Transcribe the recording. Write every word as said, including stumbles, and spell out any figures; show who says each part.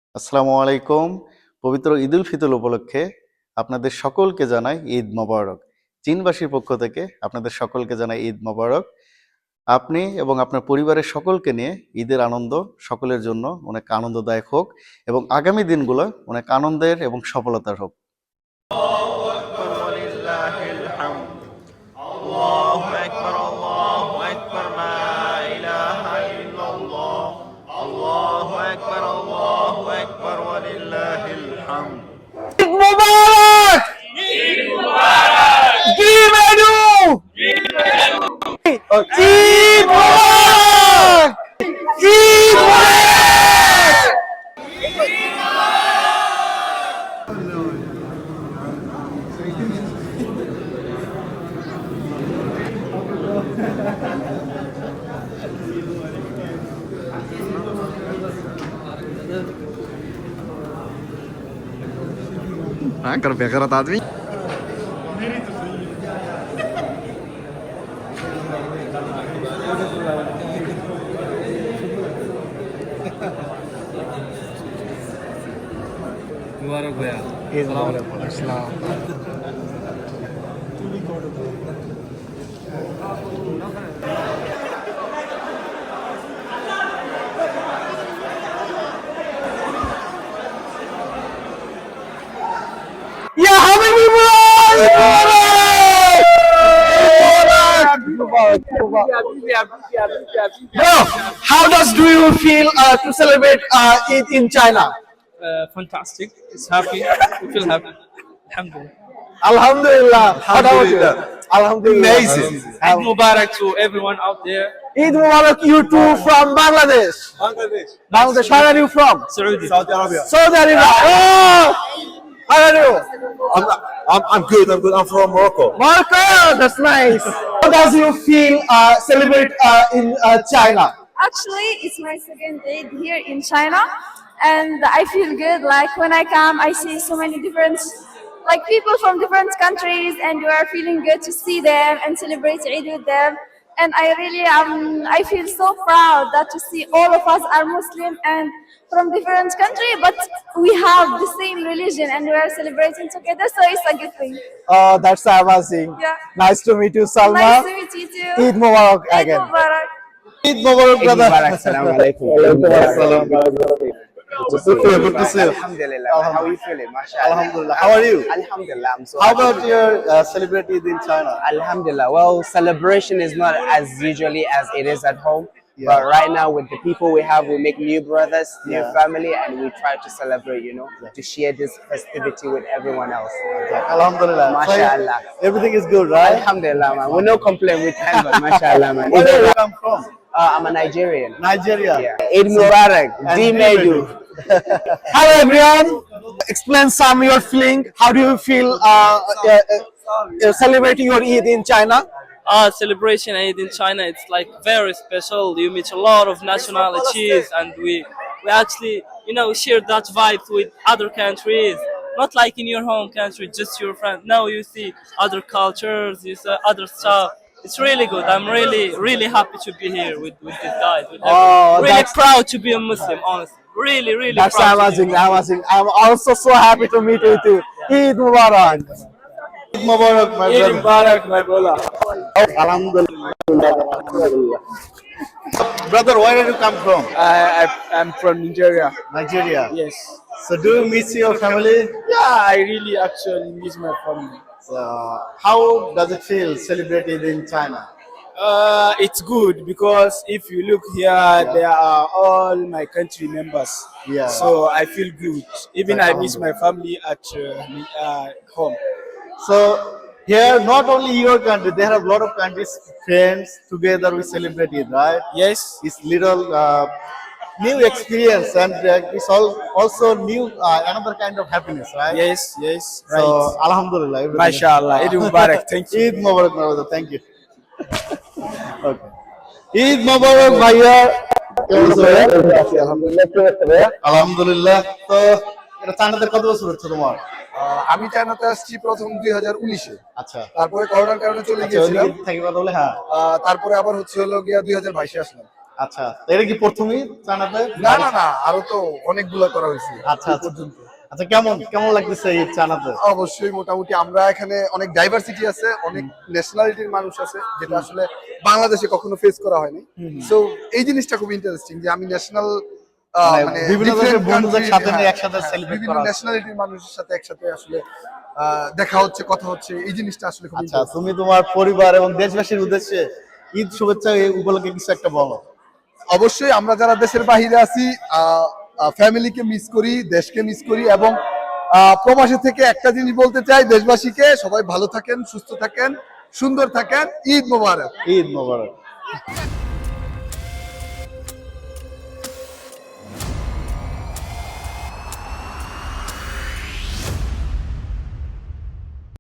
Speaker 1: আসসালামু আলাইকুম। পবিত্র ঈদুল ফিতর উপলক্ষে আপনাদের সকলকে জানাই ঈদ মোবারক। চীনবাসীর পক্ষ থেকে আপনাদের সকলকে জানাই ঈদ মোবারক। আপনি এবং আপনার পরিবারের সকলকে নিয়ে ঈদের আনন্দ সকলের জন্য অনেক আনন্দদায়ক হোক এবং আগামী দিনগুলো অনেক আনন্দের এবং সফলতার হোক।
Speaker 2: Mubarak! Give Edu! Eid Mubarak! Eid Mubarak!
Speaker 3: हाँ कर बेगरत आदमी
Speaker 2: मुबारक भैया ईद मुबारक अस्सलाम या Habibi Bro, how does do you feel uh, to celebrate uh, Eid in China?
Speaker 4: Uh, fantastic. It's happy. We feel happy. Alhamdulillah.
Speaker 2: Alhamdulillah. How about you? Alhamdulillah.
Speaker 3: Amazing.
Speaker 4: Eid Mubarak to everyone out there.
Speaker 2: Eid Mubarak, you too from Bangladesh.
Speaker 5: Bangladesh.
Speaker 2: Bangladesh. Where are you from?
Speaker 4: Saudi.
Speaker 5: Saudi Arabia.
Speaker 2: Saudi Arabia. Oh! How are you?
Speaker 5: I'm, I'm, I'm good, I'm good. I'm from Morocco.
Speaker 2: Morocco. That's nice. How does you feel uh, celebrate uh, in uh, China?
Speaker 6: Actually, it's my second day here in China, and I feel good. Like when I come, I see so many different, like people from different countries, and you are feeling good to see them and celebrate Eid with them. And I really um, I feel so proud that to see all of us are Muslim and from different country, but we have the same religion and we are celebrating together. So it's a good thing.
Speaker 2: Oh, that's amazing.
Speaker 6: Yeah.
Speaker 2: Nice to meet you, Salma.
Speaker 6: Nice to meet you too.
Speaker 2: Eid Mubarak
Speaker 6: Eid
Speaker 2: again.
Speaker 6: Mubarak.
Speaker 2: Eid Mubarak, brother.
Speaker 7: Assalamu alaikum.
Speaker 1: Good to see you. Good to see you.
Speaker 7: Alhamdulillah. How are you feeling? MashaAllah.
Speaker 1: Alhamdulillah. How are you?
Speaker 7: Alhamdulillah. I'm so
Speaker 1: How
Speaker 7: happy.
Speaker 1: about your uh, celebrate Eid in China?
Speaker 7: Alhamdulillah. Well, celebration is not as usually as it is at home.
Speaker 1: Yeah.
Speaker 7: But right now, with the people we have, we make new brothers, new
Speaker 1: Yeah.
Speaker 7: family, and we try to celebrate, you know, to share this festivity with everyone else.
Speaker 1: Alhamdulillah. So,
Speaker 7: MashaAllah.
Speaker 1: everything is good, right?
Speaker 7: Alhamdulillah, man. We no complain with time, but MashaAllah, man.
Speaker 1: Where do you come from?
Speaker 7: Uh, I'm a Nigerian.
Speaker 1: Nigeria.
Speaker 7: Yeah. Eid Mubarak.
Speaker 1: And
Speaker 7: D
Speaker 1: Eid
Speaker 7: Medu.
Speaker 2: Hello, everyone. Explain some your feeling. How do you feel uh, uh, uh, celebrating your Eid in China?
Speaker 4: Uh, celebration Eid in China, it's like very special. You meet a lot of nationalities, and we we actually, you know, share that vibe with other countries. Not like in your home country, just your friend. No, you see other cultures, you see other stuff. It's really good. I'm really, really happy to be here with, with these guys. With
Speaker 2: Oh,
Speaker 4: everyone. really
Speaker 2: that's-
Speaker 4: proud to be a Muslim, honestly. Really, really
Speaker 2: That's
Speaker 4: proud. to be
Speaker 2: amazing.
Speaker 4: a Muslim.
Speaker 2: Amazing. I'm also so happy to meet you too. Eid Mubarak.
Speaker 1: Eid Mubarak, my
Speaker 4: Eid
Speaker 1: brother.
Speaker 4: Mubarak, my brother.
Speaker 1: Alhamdulillah. Brother, where did you come from?
Speaker 4: I, I, I'm from Nigeria.
Speaker 1: Nigeria.
Speaker 4: Yes.
Speaker 1: So do you miss your family?
Speaker 4: Yeah, I really actually miss my family.
Speaker 1: So how does it feel celebrated in China?
Speaker 8: Uh, it's good because if you look here, there are all my country members.
Speaker 1: Yeah.
Speaker 8: So I feel good. Even I miss my family at uh, uh, home.
Speaker 1: So here, not only your country, there are a lot of countries, friends together we celebrate it, right?
Speaker 8: Yes.
Speaker 1: It's little uh, new experience and uh, it's all also new uh, another kind of happiness, right?
Speaker 8: Yes. Yes. Right.
Speaker 1: So Alhamdulillah. everything is-
Speaker 8: Mashallah. Eid Mubarak. Thank you.
Speaker 1: Eid Mubarak, my brother. Thank you. Okay. Eid Mubarak, ভাইয়া। কেমন আছো ভাইয়া? আলহামদুলিল্লাহ। তো এটা চায়নাতে কত বছর হচ্ছে তোমার?
Speaker 3: আহ, আমি চায়নাতে আসছি প্রথম দুই হাজার উনিশে,
Speaker 1: আচ্ছা।
Speaker 3: তারপরে করোনার কারণে চলে
Speaker 1: আচ্ছা,
Speaker 3: গিয়েছিলাম।
Speaker 1: ওদিকে থাকি কথা বলে হ্যাঁ।
Speaker 3: আহ, তারপরে আবার হচ্ছে হলো গিয়া দুই হাজার বাইশে আসলাম।
Speaker 1: আচ্ছা, এটা কি প্রথমেই চায়নাতে?
Speaker 3: না না না, আরো তো অনেকগুলো করা হয়েছে
Speaker 1: আচ্ছা আচ্ছা আচ্ছা, কেমন কেমন লাগতেছে এই চায়নাতে?
Speaker 3: অবশ্যই মোটামুটি আমরা এখানে অনেক ডাইভার্সিটি আছে, অনেক ন্যাশনালিটির মানুষ আছে, যেটা আসলে বাংলাদেশে কখনো ফেস করা হয়নি। সো এই জিনিসটা খুব ইন্টারেস্টিং যে আমি ন্যাশনাল
Speaker 1: মানে বিভিন্ন দেশের বন্ধুদের সাথে নিয়ে একসাথে celebrate
Speaker 3: বিভিন্ন
Speaker 1: করা হচ্ছে।
Speaker 3: ন্যাশনালিটির মানুষের সাথে একসাথে আসলে আহ, দেখা হচ্ছে, কথা হচ্ছে, এই জিনিসটা আসলে খুব
Speaker 1: আচ্ছা, তুমি তোমার পরিবার এবং দেশবাসীর উদ্দেশ্যে ঈদ শুভেচ্ছা এই উপলক্ষে কিছু একটা বলো।
Speaker 3: অবশ্যই আমরা যারা দেশের বাহিরে আছি ফ্যামিলিকে মিস করি, দেশকে মিস করি, এবং আহ, প্রবাসী থেকে একটা জিনিস বলতে চাই দেশবাসীকে, সবাই ভালো থাকেন, সুস্থ থাকেন, সুন্দর থাকেন। ঈদ মোবারক।
Speaker 1: ঈদ মোবারক।